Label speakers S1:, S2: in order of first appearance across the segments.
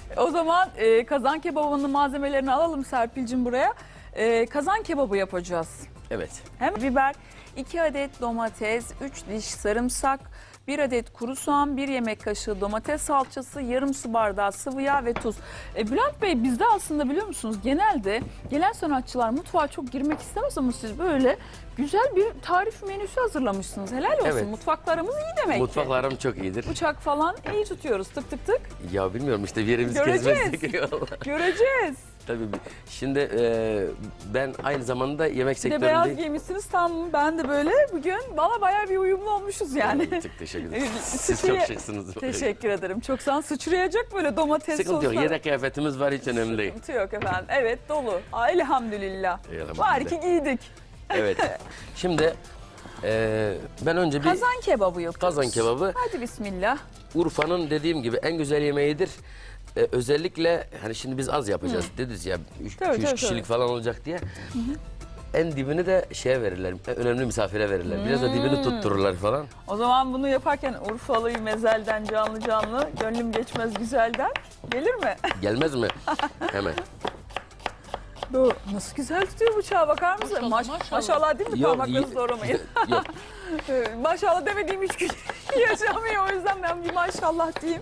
S1: O zaman kazan kebabının malzemelerini alalım Serpil'cim buraya. Kazan kebabı yapacağız.
S2: Evet.
S1: Hem biber, 2 adet domates, 3 diş sarımsak, 1 adet kuru soğan, 1 yemek kaşığı domates salçası, yarım su bardağı sıvı yağ ve tuz. Bülent Bey, bizde aslında biliyor musunuz genelde gelen sanatçılar mutfağa çok girmek istemez ama siz böyle güzel bir tarif menüsü hazırlamışsınız. Helal olsun.
S2: Evet.
S1: Mutfaklarımız iyi demek ki.
S2: Mutfaklarım çok iyidir.
S1: Bıçak falan iyi tutuyoruz, tık tık tık.
S2: Ya bilmiyorum işte bir yerimizi
S1: Göreceğiz.
S2: gezmezsek.
S1: Göreceğiz.
S2: Tabii. Şimdi ben aynı zamanda yemek
S1: Bir de beyaz
S2: sektöründeyim.
S1: giymişsiniz tam, ben de böyle bugün valla bayağı bir uyumlu olmuşuz yani.
S2: Çok teşekkür ederim.
S1: Evet,
S2: Siz çok şıksınız.
S1: Teşekkür ederim. Çok sağ olun. Sıçrayacak böyle domates
S2: Sıkıntı yok.
S1: sosları.
S2: Yedek kıyafetimiz var, hiç önemli değil.
S1: Sıkıntı yok efendim. Evet, dolu. Elhamdülillah.
S2: Elhamdülillah.
S1: Var ki giydik.
S2: Evet. Şimdi ben önce bir
S1: Kazan kebabı yapıyoruz.
S2: kazan kebabı
S1: Hadi bismillah.
S2: Urfa'nın dediğim gibi en güzel yemeğidir. Özellikle hani şimdi biz az yapacağız dediniz ya, 2-3 kişilik falan olacak diye. En dibini de şeye verirler, önemli misafire verirler. Biraz da dibini tuttururlar falan.
S1: O zaman bunu yaparken Urfalı'yı mezelden canlı canlı, gönlüm geçmez güzelden gelir mi?
S2: Gelmez mi? Hemen.
S1: Doğru. Nasıl güzel tutuyor bıçağı, bakar mısın?
S3: Maşallah.
S1: Maşallah değil mi?
S2: Yok,
S1: Parmaklarınızı doğramayın.
S2: Yok.
S1: Maşallah demediğim 3 gün yaşamıyor, o yüzden ben bir maşallah diyeyim.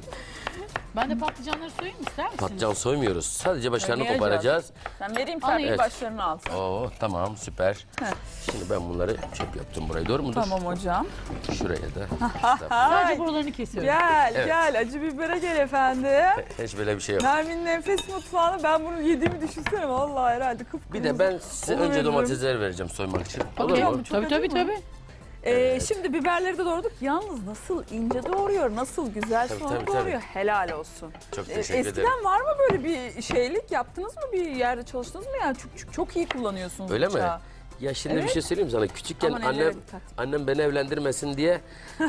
S3: Ben de patlıcanları soyayım ister misiniz?
S2: Patlıcan soymuyoruz. Sadece başlarını
S1: Soymayacağız.
S2: koparacağız.
S1: Sen vereyim,
S3: Alayım.
S1: sen
S2: Evet.
S1: başlarını al.
S2: Oo tamam, süper. Şimdi ben bunları çöp yaptım burayı, doğru mudur?
S1: Tamam hocam.
S2: Şuraya da.
S3: Sadece
S1: Ay,
S3: buralarını kesiyorum.
S1: gel
S2: Evet.
S1: gel, acı bibere gel efendim.
S2: Hiç böyle bir şey yok.
S1: Nermin'in enfes mutfağını, ben bunu yediğimi düşünsene vallahi herhalde kıpkırmızı.
S2: Bir de ben size
S1: Onu
S2: önce
S1: veririm.
S2: domatesleri vereceğim soymak için. Olur
S3: Okey.
S2: mu?
S1: Çok
S3: Tabii
S1: acı
S3: tabii
S1: mı?
S3: tabii.
S1: Şimdi biberleri de doğradık. Yalnız nasıl ince doğruyor, nasıl güzel
S2: Tabii,
S1: soğan
S2: tabii,
S1: doğruyor. Helal olsun.
S2: Çok teşekkür
S1: Eskiden
S2: ederim.
S1: var mı böyle bir şeylik? Yaptınız mı, bir yerde çalıştınız mı? Yani çok iyi kullanıyorsunuz
S2: Öyle mi?
S1: bıçağı.
S2: Ya şimdi
S1: Evet.
S2: bir şey söyleyeyim sana. Küçükken
S1: Aman ellere
S2: annem
S1: dikkat.
S2: beni evlendirmesin diye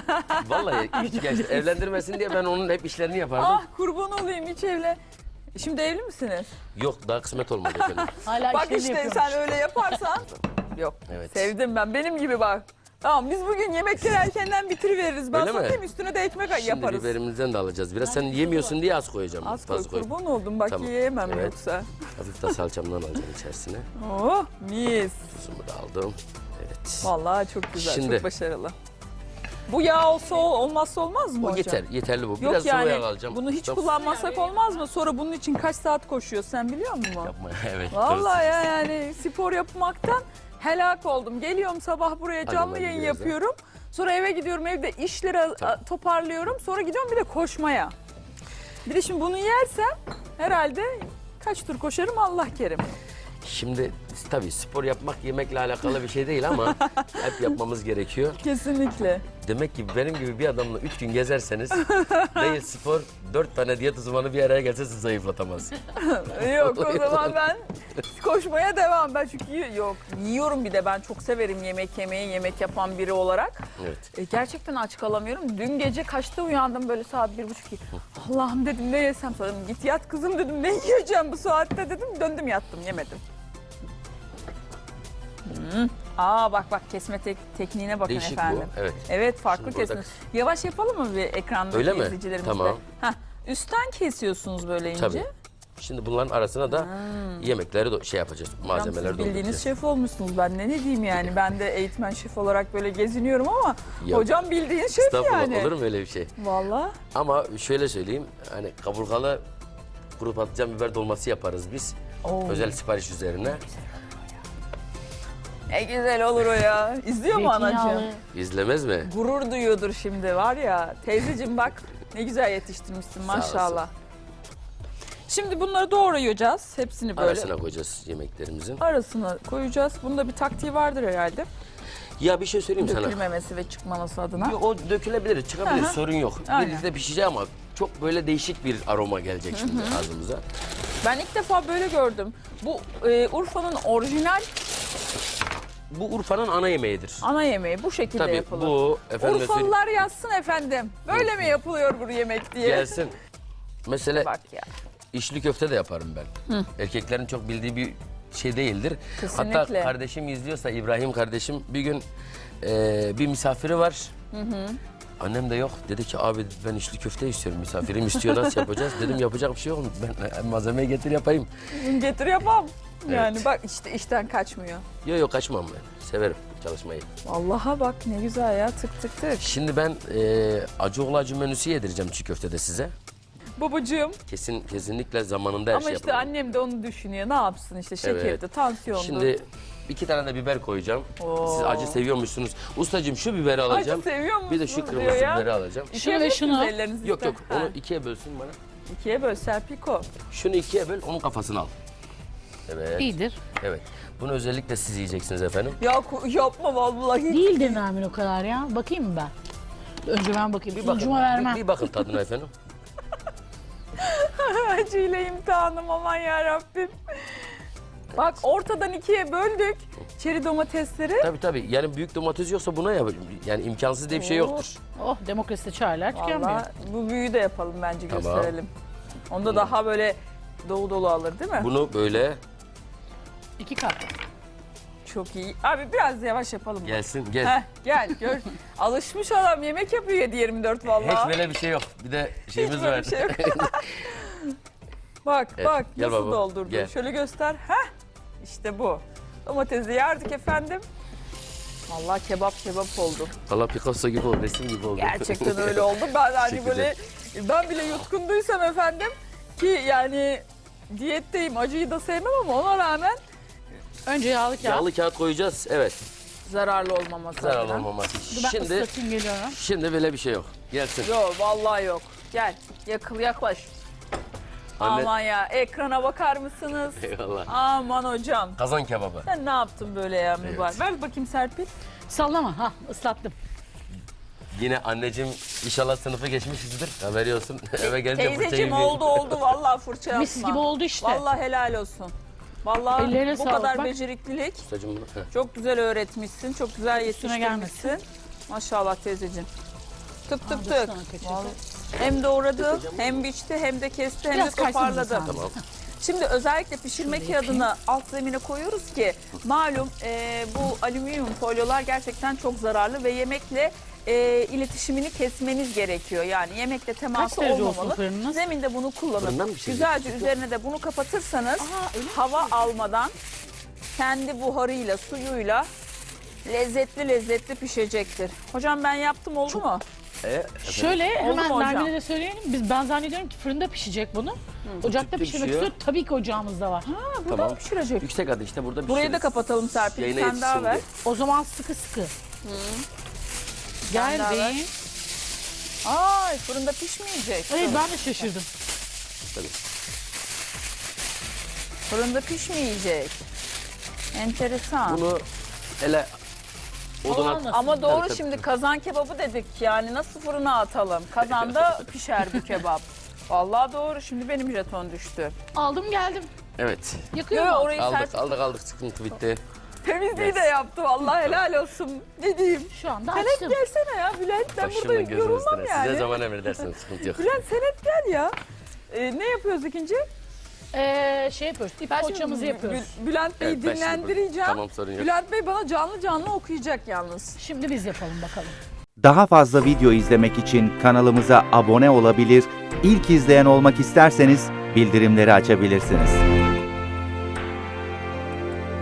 S2: vallahi küçükken işte evlendirmesin diye ben onun hep işlerini yapardım.
S1: Ah kurban olayım, hiç evle. Şimdi evli misiniz?
S2: Yok, daha kısmet olmadı efendim.
S3: Hala
S1: Bak
S3: işlerini
S1: işte
S3: yapıyormuş.
S1: sen öyle yaparsan. Yok.
S2: Evet.
S1: Sevdim ben. Benim gibi bak. Tamam, biz bugün yemekleri erkenden bitiriveririz. Ben
S2: Öyle mi?
S1: satayım, üstüne de ekmek
S2: Şimdi
S1: yaparız.
S2: biberimizden de alacağız. Biraz sen yemiyorsun diye az koyacağım.
S1: Az koy,
S2: Fazla koy.
S1: kurban oldum. Bak
S2: Tamam.
S1: yiyemem
S2: Evet.
S1: yoksa.
S2: Hafif de salçamdan alacağım içerisine.
S1: Oh mis.
S2: Tuzumu da aldım. Evet.
S1: Vallahi çok güzel,
S2: Şimdi-
S1: çok başarılı. Bu yağ olsa olmazsa olmaz mı
S2: O
S1: hocam?
S2: yeter, yeterli bu.
S1: Yok
S2: Biraz sıvı
S1: yani
S2: yağ alacağım.
S1: bunu hiç
S2: Tamam.
S1: kullanmasak olmaz mı? Sonra bunun için kaç saat koşuyor sen biliyor musun?
S2: Yapma, evet.
S1: Vallahi ya, yani spor yapmaktan helak oldum. Geliyorum sabah buraya
S2: Hadi
S1: canlı
S2: ben
S1: yayın
S2: biraz da.
S1: yapıyorum. Sonra eve gidiyorum, evde işleri toparlıyorum. Sonra gidiyorum bir de koşmaya. Bir de şimdi bunu yersem herhalde kaç tur koşarım Allah kerim.
S2: Şimdi tabii spor yapmak yemekle alakalı bir şey değil ama hep yapmamız gerekiyor.
S1: Kesinlikle.
S2: Demek ki benim gibi bir adamla 3 gün gezerseniz değil spor, 4 tane diyet uzmanı bir araya gelse sizi zayıflatamaz.
S1: Yok o zaman ben koşmaya devam. Ben çünkü yiyorum, bir de ben çok severim yemek yemeyi, yemek yapan biri olarak.
S2: Evet.
S1: Gerçekten aç kalamıyorum. Dün gece kaçta uyandım, böyle saat 1:30. Allah'ım dedim, ne yesem, sonra dedim git yat kızım dedim, ne yiyeceğim bu saatte dedim, döndüm yattım, yemedim. Aa bak kesme tekniğine bakın
S2: Değişik
S1: efendim.
S2: bu, evet.
S1: Evet, farklı
S2: Şimdi burada-
S1: kesme. Yavaş yapalım mı bir ekranda
S2: Öyle mi?
S1: izleyicilerimizle?
S2: Tamam.
S1: Heh, üstten kesiyorsunuz böyle ince.
S2: Tabii. Şimdi bunların arasına da yemekleri şey yapacağız, malzemeleri
S1: Siz bildiğiniz
S2: dolduracağız.
S1: şef olmuşsunuz. Ben ne diyeyim yani. Ben de eğitmen şef olarak böyle geziniyorum ama
S2: Yok.
S1: hocam bildiğin şef
S2: Estağfurullah,
S1: yani.
S2: olur mu öyle bir şey?
S1: Vallahi.
S2: Ama şöyle söyleyeyim, hani kaburgalı kuru patlıcan biber dolması yaparız biz.
S1: Oo.
S2: Özel sipariş üzerine.
S1: Ne güzel olur o ya. İzliyor mu anacığım?
S3: Zeytinyağlı.
S2: İzlemez mi?
S1: Gurur duyuyordur şimdi, var ya. Teyzeciğim bak ne güzel yetiştirmişsin maşallah. Şimdi bunları doğrayacağız. Hepsini böyle
S2: Arasına koyacağız yemeklerimizin.
S1: arasına koyacağız. Bunda bir taktiği vardır herhalde.
S2: Ya bir şey söyleyeyim sana.
S1: Dökülmemesi ve çıkmaması adına.
S2: O dökülebilir, çıkabilir,
S1: Aha.
S2: sorun yok.
S1: Aynen.
S2: Birlikte pişecek ama çok böyle değişik bir aroma gelecek şimdi ağzımıza.
S1: Ben ilk defa böyle gördüm. Bu Urfa'nın orijinal
S2: Bu Urfa'nın ana yemeğidir.
S1: ana yemeği bu şekilde
S2: Tabii
S1: yapılır.
S2: bu efendim
S1: Urfalılar yazsın efendim. Böyle mi yapılıyor bu yemek diye.
S2: gelsin. Mesela
S1: Bak ya.
S2: içli köfte de yaparım ben. Erkeklerin çok bildiği bir şey değildir.
S1: Kesinlikle.
S2: Hatta kardeşim izliyorsa, İbrahim kardeşim, bir gün bir misafiri var. Annem de yok. Dedi ki abi ben içli köfte istiyorum. Misafirim istiyor, nasıl yapacağız? Dedim yapacak bir şey yok. Ben malzemeyi getir yapayım.
S1: Getir yapam. Yani
S2: Evet.
S1: bak işte işten kaçmıyor.
S2: Yok kaçmam ben. Severim çalışmayı.
S1: Vallahi bak ne güzel ya, tık tık tık.
S2: Şimdi ben acı acı menüsü yedireceğim çiğ köftede size.
S1: Babacığım.
S2: Kesinlikle zamanında her
S1: Ama
S2: şey
S1: işte
S2: yapalım.
S1: annem de onu düşünüyor. Ne yapsın işte şekerdi,
S2: Evet.
S1: tansiyondu.
S2: Şimdi 2 tane de biber koyacağım.
S1: Oo.
S2: Siz acı seviyormuşsunuz. Ustacığım şu biberi alacağım.
S1: Acı seviyor musun?
S2: Bir de şu
S1: diyor
S2: kırmızı
S1: ya.
S2: biberi alacağım.
S3: Şunu ve şunu.
S1: Ellerinizi
S2: Yok
S1: ister.
S2: yok
S1: Ha,
S2: onu 2'ye bölsün bana.
S1: 2'ye böl Serpiko.
S2: Şunu 2'ye böl, onun kafasını al. Evet.
S3: İyidir.
S2: Evet. Bunu özellikle siz yiyeceksiniz efendim.
S1: Ya yapma vallahi.
S3: Değildir Nermin o kadar ya. Bakayım mı ben? Önce ben bakayım. Sunucuma vermem.
S2: Bir bakın tadına efendim.
S1: Acıyla imtihanım, aman ya Rabbim. Bak ortadan 2'ye böldük çeri domatesleri.
S2: Tabii. Yani büyük domates yoksa buna yap. Yani imkansız diye bir şey yoktur.
S3: Oh, demokraside çaylar tükenmiyor.
S1: Vallahi bu büyüğü de yapalım bence,
S2: Tamam.
S1: gösterelim. Onda daha böyle dolu dolu alır değil mi?
S2: Bunu böyle
S3: 2 kat.
S1: Çok iyi. Abi biraz yavaş yapalım.
S2: gelsin gel.
S1: Heh, gel gör. Alışmış adam, yemek yapıyor 7/24 vallahi.
S2: Hiç böyle bir şey yok. Bir de şeyimiz
S1: Hiç böyle
S2: var.
S1: bir şey yok. Bak
S2: Evet,
S1: bak
S2: gel
S1: nasıl
S2: baba,
S1: doldurdu.
S2: gel.
S1: Şöyle göster. Heh, işte bu. Domatesi yardık efendim. Vallahi kebap oldu.
S2: Valla Picasso gibi oldu, resim gibi oldu.
S1: Gerçekten öyle oldu. Ben hani
S2: Teşekkür
S1: böyle, ben bile yutkunduysam efendim ki yani diyetteyim, acıyı da sevmem ama ona rağmen
S3: Önce yağlı kağıt.
S2: Yağlı kağıt koyacağız. Evet.
S1: zararlı olmaması
S2: Zararlı
S1: adına.
S2: olmaması
S3: Dur
S2: için.
S3: ben
S2: Şimdi
S3: ıslatayım geliyorum.
S2: böyle bir şey yok. Gelsin.
S1: Yok vallahi yok. Gel yaklaş.
S2: Anne-
S1: Aman ya, ekrana bakar mısınız?
S2: Eyvallah.
S1: Aman hocam.
S2: Kazan kebabı.
S1: Sen ne yaptın böyle ya mübarek?
S2: Evet.
S1: Ver bakayım Serpil.
S3: Sallama. Ha, ıslattım.
S2: Yine anneciğim inşallah sınıfı geçmişizdir. Haberi olsun. Eve gelince fırça
S1: Teyzeciğim
S2: yemeyeyim.
S1: oldu vallahi fırça yapma.
S3: Mis gibi oldu işte.
S1: Vallahi helal olsun. Vallahi
S3: Ellerine
S1: bu
S3: sağlık,
S1: kadar
S3: bak.
S1: beceriklilik.
S2: Ustacığım bunu. Heh.
S1: Çok güzel öğretmişsin, çok güzel
S3: Üstüne
S1: yetiştirmişsin. Maşallah teyzeciğim. Tık tık
S3: Aa,
S1: tık.
S3: dur sana kaçırdım.
S1: Vallahi hem doğradı, hem biçti, hem de kesti, hem
S3: Biraz
S1: de
S3: kaysın
S1: toparladı.
S3: sen.
S2: Tamam.
S1: Şimdi özellikle pişirme kağıdını alt zemine koyuyoruz ki malum bu alüminyum folyolar gerçekten çok zararlı ve yemekle iletişimini kesmeniz gerekiyor. Yani yemekle teması
S3: Kaç derece olsun
S1: olmamalı.
S3: fırınınız?
S1: Zeminde bunu
S2: Fırından mı
S1: kullanın.
S2: pişirecek?
S1: Güzelce üzerine de bunu kapatırsanız hava almadan kendi buharıyla, suyuyla lezzetli pişecektir. Hocam ben yaptım, oldu mu?
S3: Şöyle
S1: Oldu mu
S3: hemen
S1: hocam?
S3: Nermin'e de söyleyelim. Ben zannediyorum ki fırında pişecek bunu. Ocakta
S2: Tüpte
S3: pişirmek
S2: pişiyor.
S3: istiyor. Tabii ki ocağımızda var.
S1: Ha, burada
S2: Tamam.
S1: mı pişirecek?
S2: Yüksek ateşte burada pişiririz.
S1: Burayı da kapatalım Serpil.
S2: Yayına
S1: Sen daha
S2: yetişsin
S1: ver.
S2: diye.
S3: O zaman sıkı sıkı.
S1: Sen daha ver.
S3: Geldim.
S1: Ay fırında pişmeyecek.
S3: Evet ben de şaşırdım.
S2: Tabii.
S1: Fırında pişmeyecek. Enteresan.
S2: Bunu ele oduna
S3: Olmaz.
S1: Ama doğru,
S2: Tabii,
S1: şimdi
S2: tabii.
S1: kazan kebabı dedik, yani nasıl fırına atalım? Kazanda pişer bu kebap. Vallahi doğru, şimdi benim jeton düştü.
S3: Aldım geldim.
S2: Evet.
S3: Yakıyor
S1: Yo,
S3: mu?
S1: orayı
S2: Aldık
S1: sert
S2: aldık sıkıntı bitti.
S1: temizliği de yaptı vallahi, helal olsun. Ne diyeyim?
S3: Şu anda
S1: Sen hep
S3: açtım.
S1: gelsene ya Bülent, ben burada
S2: Başımın gözünün
S1: yorulmam
S2: üstüne.
S1: yani.
S2: Size zaman emredersiniz sıkıntı yok.
S1: Bülent sen hep gel ya. Ne yapıyoruz ikinci?
S3: Şey yapıyoruz. İp
S1: Ben şimdi
S3: poğaçamızı yapıyoruz.
S1: Bülent Bey'i
S2: Evet, ben şimdi
S1: dinlendireceğim.
S2: Tamam sorun yok.
S1: Bülent Bey bana canlı okuyacak yalnız.
S3: Şimdi biz yapalım bakalım.
S4: Daha fazla video izlemek için kanalımıza abone olabilir, ilk izleyen olmak isterseniz bildirimleri açabilirsiniz.